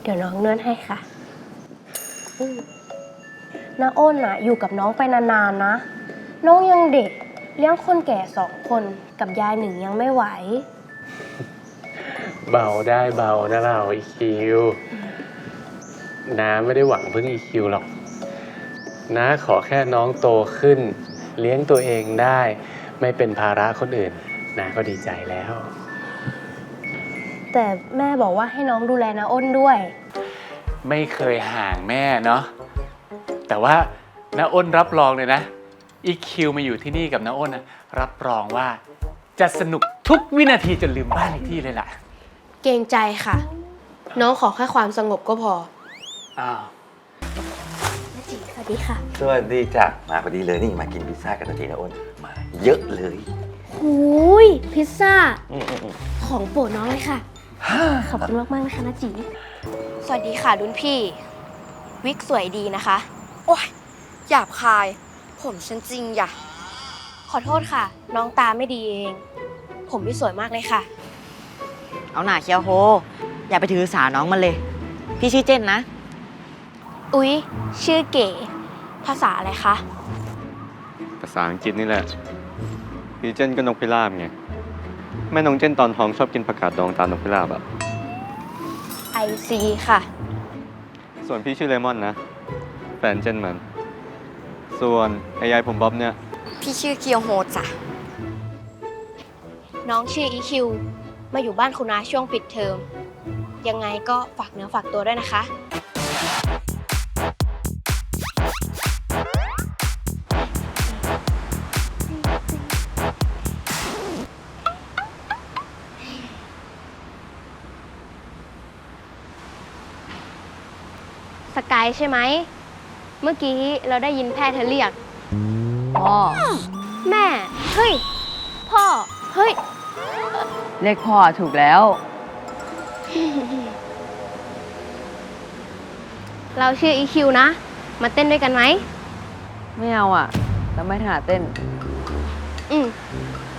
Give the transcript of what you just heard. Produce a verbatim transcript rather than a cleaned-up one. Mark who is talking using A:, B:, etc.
A: ดี๋ยวน้องนวดให้ค่ะอืมน้าอ้นน่ะอยู่กับน้องไปนานๆนะ น้องยังเด็กเลี้ยงคนแก่สองคนกับยายหนึ่งยังไม่ไหว
B: เบาได้เบานะเราอีคิวน้าไม่ได้หวังพึ่งอีคิวหรอกน้าขอแค่น้องโตขึ้น เลี้ยงตัวเองได้ ไม่เป็นภาระคนอื่นน้าก็ดีใจแล้ว
A: แต่แม่บอกว่าให้น้องดูแลน้าอ้นด้วย
B: ไม่เคยห่างแม่เนาะแต่ว่าน้าอ้นรับรองเลยนะอีคิวมาอยู่ที่นี่กับน้าอ้นนะรับรองว่าจะสนุกทุกวินาทีจนลืมบ้านเลขที่เลยล่ะ
A: เกรงใจค่ะ น้องขอแค่ความสงบก็พอ
B: อ้าว
A: น้าจีสวัสดีค่ะ
C: สวัสดีจ้ะมาพอดีเลยนี่มากินพิซซ่ากันนาทีนะอ้นมาเยอะเลย
A: หูยพิซซ่า
C: อืมอืมอืม
A: ของโปรดน้องเลยค่ะ ขอบคุณมากๆนะคะน้าจีสวัสดีค่ะรุ่นพี่ วิกสวยดีนะคะ
D: โอ๊ยหยาบคาย ผมฉันจริงอย่ะ
A: ขอโทษค่ะ น้องตาไม่ดีเอง ผมพี่สวยมากเลยค่ะ
E: เอาหน่าเคียวโฮ อย่าไปถือสาน้องมันเลย พี่ชื่อเจนนะ
A: อุ๊ย ชื่อเก๋ ภาษาอะไรคะ
F: ภาษาอังกฤษนี่แหละ พี่เจนก็นกพิราบไง แม่น้องเจนตอนท้องชอบกินผักกาดดองตามนกพิราบอะ
A: ไอซีค่ะ
F: ส่วนพี่ชื่อเลมอนนะ แฟนเจนมัน ส่วนไอ้ยายผมบ๊อบเนี่ย
D: พี่ชื่อเคียวโฮจ้ะ
A: น้องชื่ออีคิว มาอยู่บ้านคุณน้าช่วงปิดเทอม ยังไงก็ฝากเนื้อฝากตัวด้วยนะคะ สกายใช่ไหม เมื่อกี้เราได้ยินแพทย์เธอเรียก
E: พ่อ
A: แม่ เฮ้ย พ่อ เฮ้ย
E: เรียกพ่อถูกแล้ว
A: เราชื่ออีคิวนะ มาเต้นด้วยกันไหม
E: ไม่เอาอ่ะ แล้วไม่ถนัดเต้น
A: อืม